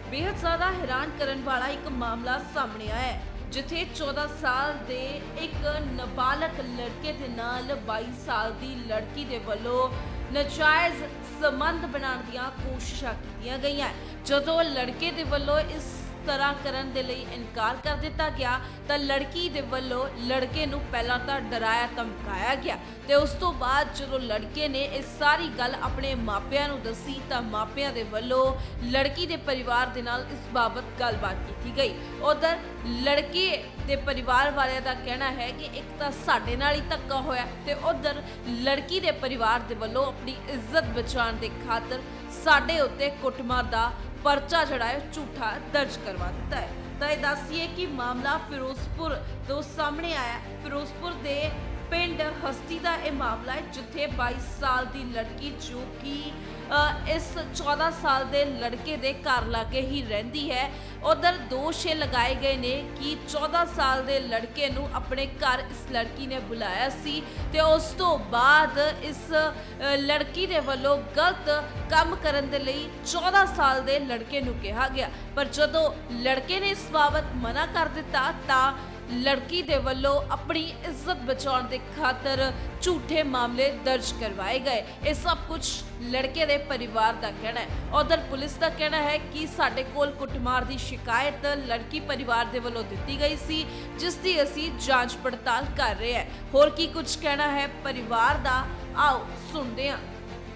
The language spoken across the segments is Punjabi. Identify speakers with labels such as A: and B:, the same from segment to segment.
A: बेहद ज़्यादा हैरान करने वाला एक मामला सामने आया है, जिथे 14 साल ਦੇ ਇੱਕ ਨਾਬਾਲਗ ਲੜਕੇ ਦੇ ਨਾਲ 22 ਸਾਲ ਦੀ ਲੜਕੀ ਦੇ ਵੱਲੋਂ ਨਾਜਾਇਜ਼ ਸੰਬੰਧ ਬਣਾਉਣ ਦੀਆਂ ਕੋਸ਼ਿਸ਼ਾਂ ਕੀਤੀਆਂ ਗਈਆਂ। ਜਦੋਂ ਲੜਕੇ ਦੇ ਵੱਲੋਂ ਇਸ ਤਰ੍ਹਾਂ ਕਰਨ ਦੇ ਲਈ ਇਨਕਾਰ ਕਰ ਦਿੱਤਾ ਗਿਆ ਤਾਂ ਲੜਕੀ ਦੇ ਵੱਲੋਂ ਲੜਕੇ ਨੂੰ ਪਹਿਲਾਂ ਤਾਂ ਡਰਾਇਆ ਧਮਕਾਇਆ ਗਿਆ ਤੇ ਉਸ ਤੋਂ ਬਾਅਦ ਜਦੋਂ ਲੜਕੇ ਨੇ ਇਹ ਸਾਰੀ ਗੱਲ ਆਪਣੇ ਮਾਪਿਆਂ ਨੂੰ ਦੱਸੀ ਤਾਂ ਮਾਪਿਆਂ ਦੇ ਵੱਲੋਂ ਲੜਕੀ ਦੇ ਪਰਿਵਾਰ ਦੇ ਨਾਲ ਇਸ ਬਾਬਤ ਗੱਲਬਾਤ ਕੀਤੀ ਗਈ। ਉਧਰ ਲੜਕੇ ਦੇ ਪਰਿਵਾਰ ਵਾਲਿਆਂ ਦਾ ਕਹਿਣਾ ਹੈ ਕਿ ਇੱਕ ਤਾਂ ਸਾਡੇ ਨਾਲ ਹੀ ਧੱਕਾ ਹੋਇਆ ਤੇ ਉਧਰ ਲੜਕੀ ਦੇ ਪਰਿਵਾਰ ਦੇ ਵੱਲੋਂ ਆਪਣੀ ਇੱਜ਼ਤ ਬਚਾਉਣ ਦੇ ਖਾਤਰ ਸਾਡੇ ਉੱਤੇ ਕੁੱਟਮਾਰ ਦਾ पर्चा जड़ा है झूठा दर्ज करवा दिता है। तो ये दसिए कि मामला फिरोजपुर तो सामने आया। फिरोजपुर के पिंड हस्ती का यह मामला है, जिथे 22 साल की लड़की जो कि इस 14 साल के लड़के के घर लागे ही रहिंदी है। उधर दोष ये लगाए गए ने कि 14 साल के लड़के नूं अपने घर इस लड़की ने बुलाया सी ते उस तो बाद इस लड़की दे वल्लों गलत काम करन दे लई 14 साल के लड़के नूं कहा गया, पर जदों लड़के ने इस बाबत मना कर दिता तां लड़की दे वल्लों अपनी इज्जत बचाने के खातर झूठे मामले दर्ज करवाए गए। ये सब कुछ लड़के दे परिवार का कहना है। उधर पुलिस का कहना है कि साडे कोल कुटमार की शिकायत लड़की परिवार दे वल्लों दित्ती गई सी, जिसकी असीं जांच पड़ताल कर रहे हैं। होर की कुछ कहना है परिवार का, आओ सुनते हैं।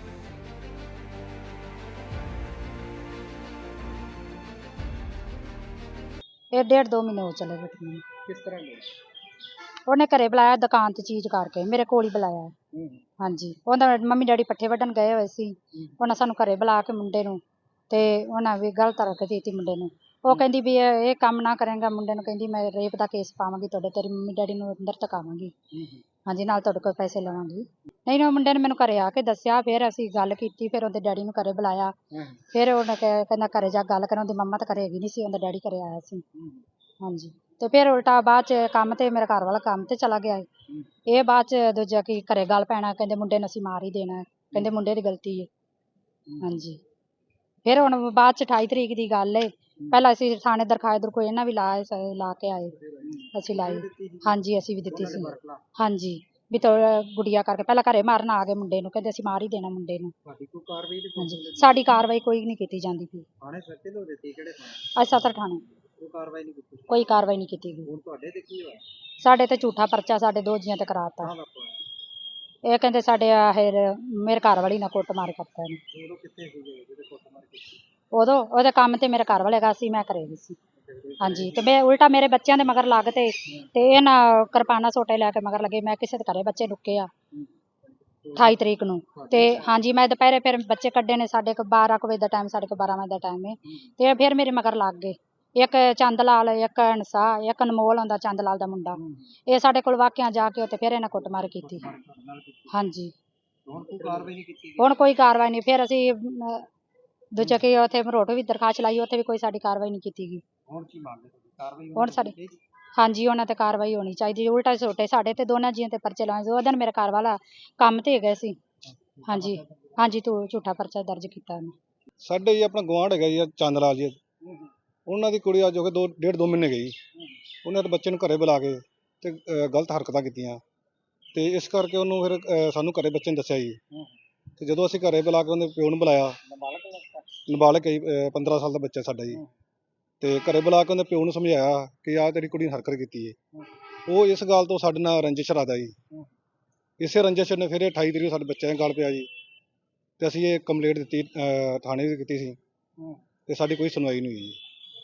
B: ਇਹ 1.5-2 ਮਹੀਨੇ ਹੋ ਚਲੇ ਗਏ ਮੈਨੂੰ।
C: किस तरह ले
B: ਉਹਨੇ ਘਰੇ ਬੁਲਾਇਆ ਦੁਕਾਨ ਤੇ ਚੀਜ਼ ਕਰਕੇ, ਮੇਰੇ ਕੋਲ ਹੀ ਬੁਲਾਇਆ। ਹਾਂਜੀ, ਉਹਦਾ ਮੰਮੀ ਡੈਡੀ ਪੱਠੇ ਵੱਢਣ ਗਏ ਹੋਏ ਸੀ। ਉਹਨਾਂ ਸਾਨੂੰ ਘਰੇ ਬੁਲਾ ਕੇ ਮੁੰਡੇ ਨੂੰ ਤੇ ਉਹਨਾਂ ਵੀ ਗਲਤ ਰੱਖ ਦਿੱਤੀ ਮੁੰਡੇ ਨੂੰ। ਉਹ ਕਹਿੰਦੀ ਵੀ ਇਹ ਕੰਮ ਨਾ ਕਰੇਗਾ, ਮੁੰਡੇ ਨੂੰ ਕਹਿੰਦੀ ਮੈਂ ਰੇਪ ਦਾ ਕੇਸ ਪਾਵਾਂਗੀ, ਤੇਰੀ ਮੰਮੀ ਡੈਡੀ ਨੂੰ ਅੰਦਰ ਤਕਾਵਾਂਗੀ। ਹਾਂਜੀ, ਨਾਲ ਤੁਹਾਡੇ ਕੋਲ ਪੈਸੇ ਲਵਾਂਗੀ। ਨਹੀਂ, ਉਹ ਮੁੰਡੇ ਨੇ ਮੈਨੂੰ ਘਰੇ ਆ ਕੇ ਦੱਸਿਆ। ਫਿਰ ਅਸੀਂ ਗੱਲ ਕੀਤੀ, ਫਿਰ ਉਹਦੇ ਡੈਡੀ ਨੂੰ ਘਰੇ ਬੁਲਾਇਆ। ਫਿਰ ਉਹਨੇ ਕਹਿੰਦਾ ਘਰੇ ਜਾ ਗੱਲ ਕਰਨ। ਉਹਦੀ ਮੰਮਾ ਤਾਂ ਘਰੇ ਹੈਗੀ ਨਹੀਂ ਸੀ, ਉਹਦਾ ਡੈਡੀ ਘਰੇ ਆਇਆ ਸੀ। ਹਾਂਜੀ, ਤੇ ਫਿਰ ਉਲਟਾ ਬਾਅਦ ਚ ਕੰਮ ਤੇ ਮੇਰਾ ਘਰ ਵਾਲਾ ਕੰਮ ਤੇ ਚਲਾ ਗਿਆ। ਇਹ ਬਾਅਦ ਚ ਦੂਜਾ ਕੀ ਘਰੇ ਗੱਲ ਪੈਣਾ, ਕਹਿੰਦੇ ਮੁੰਡੇ ਨੂੰ ਅਸੀਂ ਮਾਰ ਹੀ ਦੇਣਾ, ਕਹਿੰਦੇ ਮੁੰਡੇ ਦੀ ਗਲਤੀ ਹੈ। ਹਾਂਜੀ, ਫਿਰ ਹੁਣ ਬਾਅਦ ਚ 28 ਤਰੀਕ ਦੀ ਗੱਲ ਏ। ਪਹਿਲਾਂ ਅਸੀਂ ਥਾਣੇ ਦਰਖਾਸਤ ਕੋਈ ਇਹਨਾਂ ਵੀ ਲਾ ਕੇ ਆਏ, ਅਸੀਂ ਲਾਈ। ਹਾਂਜੀ, ਅਸੀਂ ਵੀ ਦਿੱਤੀ ਸੀ। ਹਾਂਜੀ, ਵੀ ਤੋ ਗੁੜੀਆ ਕਰਕੇ ਪਹਿਲਾਂ ਘਰੇ ਮਾਰਨ ਆ ਗਏ ਮੁੰਡੇ ਨੂੰ, ਕਹਿੰਦੇ ਅਸੀਂ ਮਾਰ ਹੀ ਦੇਣਾ ਮੁੰਡੇ ਨੂੰ। ਹਾਂਜੀ, ਸਾਡੀ ਕਾਰਵਾਈ ਕੋਈ ਨਹੀਂ ਕੀਤੀ ਜਾਂਦੀ ਪਈ। ਅੱਜ ਸਦਰ ਥਾਣੇ ਕੋਈ ਕਾਰਵਾਈ ਨਹੀਂ ਕੀਤੀ ਗਈ। ਸਾਡੇ ਤੇ ਝੂਠਾ ਪਰਚਾ ਸਾਡੇ ਦੋ ਜੀਆਂ ਤੇ ਕਰਾਤਾ। ਇਹ ਕਹਿੰਦੇ ਸਾਡੇ ਮੇਰੇ ਘਰ ਵਾਲੀ ਨਾਲ ਕੁੱਟਮਾਰ ਕਰਤਾ ਇਹਨੇ। ਉਦੋਂ ਉਹਦੇ ਕੰਮ ਤੇ ਮੇਰੇ ਘਰ ਵਾਲੇ ਗਾ ਸੀ, ਮੈਂ ਘਰੇ ਗਈ ਸੀ। ਹਾਂਜੀ, ਤੇ ਮੈਂ ਉਲਟਾ ਮੇਰੇ ਬੱਚਿਆਂ ਦੇ ਮਗਰ ਲੱਗ ਤੇ ਇਹ ਨਾ ਕਿਰਪਾਨਾਂ ਸੋਟੇ ਲੈ ਕੇ ਮਗਰ ਲੱਗੇ। ਮੈਂ ਕਿਸੇ ਦੇ ਘਰੇ ਬੱਚੇ ਲੁੱਕੇ ਆ 28 ਤਰੀਕ ਨੂੰ। ਤੇ ਹਾਂਜੀ, ਮੈਂ ਦੁਪਹਿਰੇ ਫਿਰ ਬੱਚੇ ਕੱਢੇ ਨੇ। ਸਾਡੇ ਕੋਲ 12 ਵਜੇ ਦਾ ਟਾਈਮ, ਸਾਡੇ ਕੋਲ 12 ਵਜੇ ਦਾ ਟਾਈਮ ਹੈ। ਤੇ ਫਿਰ ਮੇਰੇ ਮਗਰ ਲੱਗ ਗਏ। ਇੱਕ ਚੰਦ ਲਾਲ, ਇੱਕ ਹੰਸਾ, ਇੱਕ ਅਨਮੋਲ ਆਉਂਦਾ ਚੰਦ ਲਾਲ ਦਾ ਮੁੰਡਾ। ਇਹ ਸਾਡੇ ਕੋਲ ਵਾਕਿਆ ਜਾ ਕੇ ਉੱਥੇ ਫਿਰ ਇਹਨਾਂ ਕੁੱਟਮਾਰ ਕੀਤੀ। ਹਾਂਜੀ, ਹੁਣ ਕੋਈ ਕਾਰਵਾਈ ਨਹੀਂ। ਫਿਰ ਅਸੀਂ ਦੂਜਾ ਕਿ ਉੱਥੇ ਮਰੋਟੋ ਵੀ ਦਰਖਾਸਤ ਲਾਈ, ਉੱਥੇ ਵੀ ਕੋਈ ਸਾਡੀ ਕਾਰਵਾਈ ਨਹੀਂ ਕੀਤੀ ਗਈ। ਹੁਣ ਸਾਡੇ ਹਾਂਜੀ, ਉਹਨਾਂ ਤੇ ਕਾਰਵਾਈ ਹੋਣੀ ਚਾਹੀਦੀ। ਉਲਟਾ ਛੋਟੇ ਸਾਡੇ ਤੇ ਦੋਨਾਂ ਜੀਆਂ ਤੇ ਪਰਚੇ ਲਾਏ। ਉਹ ਦਿਨ ਮੇਰੇ ਘਰ ਵਾਲਾ ਕੰਮ ਤੇ ਗਏ ਸੀ। ਹਾਂਜੀ ਹਾਂਜੀ, ਤੂੰ ਝੂਠਾ ਪਰਚਾ ਦਰਜ ਕੀਤਾ ਉਹਨੇ।
C: ਸਾਡੇ ਜੀ ਆਪਣਾ ਗੁਆਂਢ ਹੈਗਾ ਜੀ ਚੰਦ ਲਾਲ ਜੀ, ਉਹਨਾਂ ਦੀ ਕੁੜੀ ਅੱਜ ਹੋ ਕੇ 1.5-2 ਮਹੀਨੇ ਗਈ। ਉਹਨਾਂ ਦੇ ਬੱਚੇ ਨੂੰ ਘਰੇ ਬੁਲਾ ਕੇ ਤੇ ਗਲਤ ਹਰਕਤਾਂ ਕੀਤੀਆਂ ਤੇ ਇਸ ਕਰਕੇ ਉਹਨੂੰ ਫਿਰ ਸਾਨੂੰ ਘਰੇ ਬੱਚੇ ਨੇ ਦੱਸਿਆ ਜੀ। ਤੇ ਜਦੋਂ ਅਸੀਂ ਘਰੇ ਬੁਲਾ ਕੇ ਉਹਦੇ ਪਿਓ ਨੂੰ ਬੁਲਾਇਆ, ਨਾਬਾਲਗ 15 ਸਾਲ ਦਾ ਬੱਚਾ ਸਾਡਾ ਜੀ, ਤੇ ਘਰੇ ਬੁਲਾ ਕੇ ਉਹਦੇ ਪਿਓ ਨੂੰ ਸਮਝਾਇਆ ਕਿ ਆਹ ਤੇਰੀ ਕੁੜੀ ਨੇ ਹਰਕਤ ਕੀਤੀ ਹੈ। ਉਹ ਇਸ ਗੱਲ ਤੋਂ ਸਾਡੇ ਨਾਲ ਰੰਜਿਸ਼ ਰੱਖਦਾ ਜੀ। ਇਸੇ ਰੰਜਿਸ਼ ਨੇ ਫਿਰ 28 ਤਰੀਕ ਸਾਡੇ ਬੱਚਿਆਂ ਦੇ ਗੱਲ ਪਿਆ ਜੀ। ਤੇ ਅਸੀਂ ਇਹ ਕੰਪਲੇਂਟ ਦਿੱਤੀ, ਥਾਣੇ ਦੀ ਕੀਤੀ ਸੀ, ਤੇ ਸਾਡੀ ਕੋਈ ਸੁਣਵਾਈ ਨਹੀਂ ਹੋਈ ਜੀ।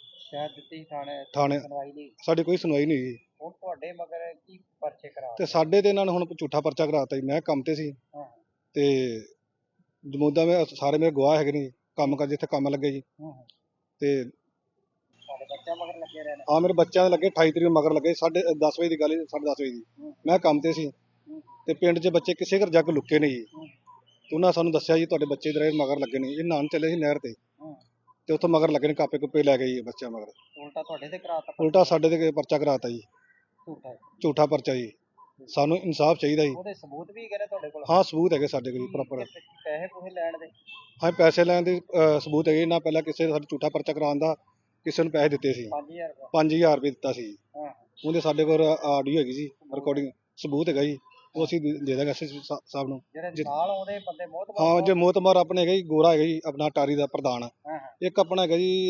C: ਥਾਣੇ ਸਾਡੀ ਕੋਈ ਸੁਣਵਾਈ ਨਹੀਂ ਹੋਈ।
D: ਹੁਣ ਤੁਹਾਡੇ ਮਗਰ ਕੀ ਪਰਚੇ ਕਰਾ
C: ਤੇ ਸਾਡੇ ਤੇ ਇਹਨਾਂ ਨੇ ਹੁਣ ਝੂਠਾ ਪਰਚਾ ਕਰਾਤਾ ਜੀ। ਮੈਂ ਕੰਮ ਤੇ ਸੀ ਤੇ ਜਮੂਦਾ ਮੈਂ ਸਾਰੇ ਮੇਰੇ ਗਵਾਹ ਹੈਗੇ ਨੇ, ਕੰਮ ਕਰ ਜਿੱਥੇ ਕੰਮ ਲੱਗੇ ਜੀ। ਤੇ
D: ਤੁਹਾਡੇ ਬੱਚਿਆਂ ਮਗਰ ਲੱਗੇ ਰਹਿਣਾ।
C: ਹਾਂ, ਮੇਰੇ ਬੱਚਿਆਂ ਦੇ ਲੱਗੇ 28 ਤਰੀਕ ਮਗਰ ਲੱਗੇ। 10:30 ਵਜੇ ਦੀ ਗੱਲ, 10:30 ਵਜੇ ਦੀ। ਮੈਂ ਕੰਮ ਤੇ ਸੀ ਤੇ ਪਿੰਡ 'ਚ ਬੱਚੇ ਕਿਸੇ ਘਰ ਜਾ ਕੇ ਲੁੱਕੇ ਨੇ ਜੀ। ਤੇ ਉਹਨਾਂ ਸਾਨੂੰ ਦੱਸਿਆ ਜੀ ਤੁਹਾਡੇ ਬੱਚੇ ਦੇ ਮਗਰ ਲੱਗੇ ਨੇ। ਇਹ ਨਾਨ ਚੱਲੇ ਸੀ ਨਹਿਰ ਤੇ ਉੱਥੋਂ ਮਗਰ ਲੱਗੇ ਨੇ, ਕਾਪੇ ਕੁੱਪੇ ਲੈ ਗਏ ਜੀ ਬੱਚਿਆਂ ਮਗਰ।
D: ਉਲਟਾ ਤੁਹਾਡੇ ਤੇ ਕਰਾਤਾ।
C: ਉਲਟਾ ਸਾਡੇ ਤੇ ਪਰਚਾ ਕਰਾਤਾ ਜੀ,
D: ਝੂਠਾ
C: ਝੂਠਾ ਪਰਚਾ ਜੀ। ਸਾਨੂੰ ਇਨਸਾਫ ਚਾਹੀਦਾ ਜੀ।
D: ਉਹਦੇ ਸਬੂਤ ਵੀ ਹੈਗੇ ਨੇ ਤੁਹਾਡੇ ਕੋਲ?
C: ਹਾਂ ਸਬੂਤ ਹੈਗੇ ਸਾਡੇ ਕੋਲ ਪ੍ਰੋਪਰ।
D: ਪੈਸੇ ਪੂਸੇ ਲੈਣ ਦੇ?
C: ਹਾਂ ਪੈਸੇ ਲੈਣ ਦੇ ਸਬੂਤ ਹੈਗੇ ਨਾ। ਪਹਿਲਾਂ ਕਿਸੇ ਨੇ ਸਾਡਾ ਝੂਠਾ ਪਰਚਾ ਕਰਾਉਣ ਦਾ ਕਿਸੇ ਨੂੰ ਪੈਸੇ ਦਿੱਤੇ ਸੀ
D: 5000 ਰੁਪਏ?
C: 5000 ਰੁਪਏ ਦਿੱਤਾ ਸੀ।
D: ਹਾਂ
C: ਉਹਦੇ ਸਾਡੇ ਕੋਲ ਆਡੀਓ ਹੈਗੀ ਜੀ, ਰਿਕਾਰਡਿੰਗ ਸਬੂਤ ਹੈਗਾ ਜੀ। ਉਹ ਅਸੀਂ ਦੇ ਦਾਂਗੇ ਐਸਐਸਪੀ ਸਾਹਿਬ ਨੂੰ।
D: ਜਿਹੜੇ ਨਾਲ ਆਉਂਦੇ ਬੰਦੇ ਬਹੁਤ
C: ਹਾਂ ਜੇ ਮੋਤਮਾਰ ਆਪਣੇ ਹੈਗਾ ਜੀ, ਗੋਰਾ ਹੈਗਾ ਜੀ ਆਪਣਾ ਟਾਰੀ ਦਾ ਪ੍ਰਧਾਨ।
D: ਹਾਂ ਹਾਂ
C: ਇੱਕ ਆਪਣਾ ਹੈਗਾ ਜੀ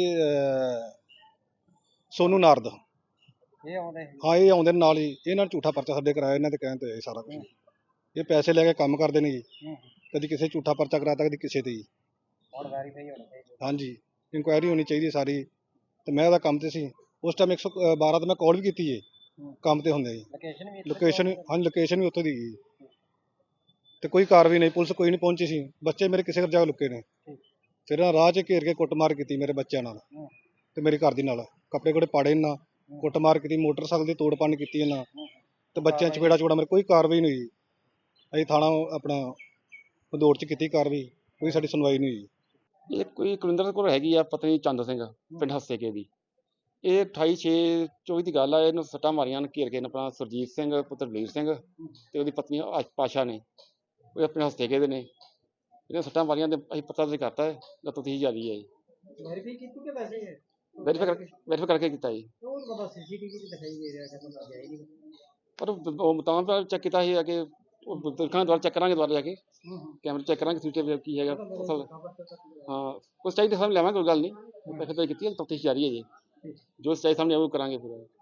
C: ਸੋਨੂ ਨਾਰਦ।
D: ਇਹ ਆਉਂਦੇ ਸੀ?
C: ਹਾਂ ਇਹ ਆਉਂਦੇ ਨੇ ਨਾਲ ਹੀ। ਇਹਨਾਂ ਨੇ ਝੂਠਾ ਪਰਚਾ ਸਾਡੇ ਕਰਾਇਆ, ਇਹਨਾਂ ਦੇ ਕਹਿਣ ਤੇ ਹੋਇਆ ਜੀ ਸਾਰਾ ਕੁਝ। ਇਹ ਪੈਸੇ ਲੈ ਕੇ ਕੰਮ ਕਰਦੇ ਨੇ ਜੀ। ਕਦੀ ਕਿਸੇ ਝੂਠਾ ਪਰਚਾ ਕਰਾਤਾ, ਕਦੀ ਕਿਸੇ ਤੇ ਜੀ।
D: ਹੁਣ ਵੈਰੀਫਾਈ ਹੋਣੀ ਚਾਹੀਦੀ?
C: ਹਾਂਜੀ ਇਨਕੁਆਇਰੀ ਹੋਣੀ ਚਾਹੀਦੀ ਸਾਰੀ। ਤੇ ਮੈਂ ਉਹਦਾ ਕੰਮ ਤੇ ਸੀ ਉਸ ਟਾਈਮ 112 ਤੇ ਮੈਂ ਕਾਲ ਵੀ ਕੀਤੀ ਹੈ ਕੰਮ ਤੇ ਹੁੰਦੇ ਜੀ।
D: ਲੋਕੇਸ਼ਨ ਵੀ
C: ਲੋਕੇਸ਼ਨ ਹਾਂਜੀ ਲੋਕੇਸ਼ਨ ਵੀ ਉੱਥੋਂ ਦੀ ਗਈ ਤੇ ਕੋਈ ਕਾਰਵਾਈ ਨਹੀਂ, ਪੁਲਿਸ ਕੋਈ ਨਹੀਂ ਪਹੁੰਚੀ ਸੀ। ਬੱਚੇ ਮੇਰੇ ਕਿਸੇ ਜਗ੍ਹਾ ਲੁਕੇ ਨੇ। ਫਿਰ ਇਹਨਾਂ ਰਾਹ 'ਚ ਘੇਰ ਕੇ ਕੁੱਟਮਾਰ ਕੀਤੀ ਮੇਰੇ ਬੱਚਿਆਂ ਨਾਲ ਤੇ ਮੇਰੀ ਘਰ ਦੀ ਨਾਲ। ਕੱਪੜੇ ਕੋੜੇ ਪਾੜੇ ਇਹਨਾਂ, ਕੁੱਟਮਾਰ ਕੀਤੀ, ਮੋਟਰਸਾਈਕਲ ਦੀ ਤੋੜ ਭੰਨ ਕੀਤੀ ਇਹਨਾਂ ਤੇ ਬੱਚਿਆਂ ਚਪੇੜਾ ਚਪੇੜਾ ਮੇਰੇ। ਕੋਈ ਕਾਰਵਾਈ ਨਹੀਂ ਹੋਈ। ਅਸੀਂ ਥਾਣਾ ਆਪਣਾ ਭਦੌੜ 'ਚ ਕੀਤੀ ਕਾਰਵਾਈ, ਕੋਈ ਸਾਡੀ ਸੁਣਵਾਈ ਨਹੀਂ ਹੋਈ।
E: ਇਹ ਕੋਈ ਕੁਲਿੰਦਰ ਕੋਲ ਹੈਗੀ ਆ ਪਤਨੀ ਚੰਦ ਸਿੰਘ ਪਿੰਡ ਹੱਸੇਕੇ ਦੀ। ਇਹ 28/6/24 ਦੀ ਗੱਲ ਆ। ਇਹਨੂੰ ਸੱਟਾਂ ਮਾਰੀਆਂ ਨੇ ਘੇਰ ਕੇ ਨੇ ਆਪਣਾ ਸੁਰਜੀਤ ਸਿੰਘ ਪੁੱਤਰ ਬਲੀਰ ਸਿੰਘ ਤੇ ਉਹਦੀ ਪਤਨੀ ਪਾਸ਼ਾ ਨੇ। ਉਹ ਆਪਣੇ ਹੱਸੇਕੇ ਦੇ ਨੇ। ਇਹਨੇ ਸੱਟਾਂ ਮਾਰੀਆਂ ਤੇ ਅਸੀਂ ਪਤਾ ਤੇ ਕਰਤਾ ਹੈ, ਤਫਤੀਸ਼ ਜਾਰੀ ਹੈ ਜੀ।
D: ਵੈਰੀਫਾਈ ਕੀਤੀ ਕਿ ਵੈਸੇ ਹੀ
E: ਵੈਰੀਫਾਈ ਕਰਕੇ ਕੀਤਾ ਜੀ।
D: ਉਹ ਬੰਦਾ ਸੀਸੀਟੀਵੀ 'ਚ ਦਿਖਾਈ ਦੇ ਰਿਹਾ ਕਿ ਬੰਦਾ ਗਿਆ ਹੀ ਨਹੀਂ।
E: ਪਰ ਉਹ ਮੁਤਾਬਕ ਚੈੱਕ ਕੀਤਾ ਸੀ ਕਿ ਉਹ ਦੇਖਾਂਗੇ ਦੁਬਾਰਾ ਚੈੱਕ ਕਰਾਂਗੇ, ਦੁਬਾਰਾ ਜਾ ਕੇ ਕੈਮਰੇ ਚੈੱਕ ਕਰਾਂਗੇ ਸੀਸੀਟੀਵੀ ਕੀ ਹੈਗਾ ਅਸਲ। ਹਾਂ ਕੁਛ ਚਾਹੀਦਾ ਸਾਹਮਣੇ ਲਿਆਵਾਂਗੇ, ਕੋਈ ਗੱਲ ਨਹੀਂ। ਵੈਰੀਫਾਈ ਕੀਤੀ ਹੈ, ਤਫਤੀਸ਼ ਜਾਰੀ ਹੈ ਜੀ। ਜੋ ਸਹੀ ਸਾਹਮਣੇ ਆਊ ਕਰਾਂਗੇ ਪੂਰਾ।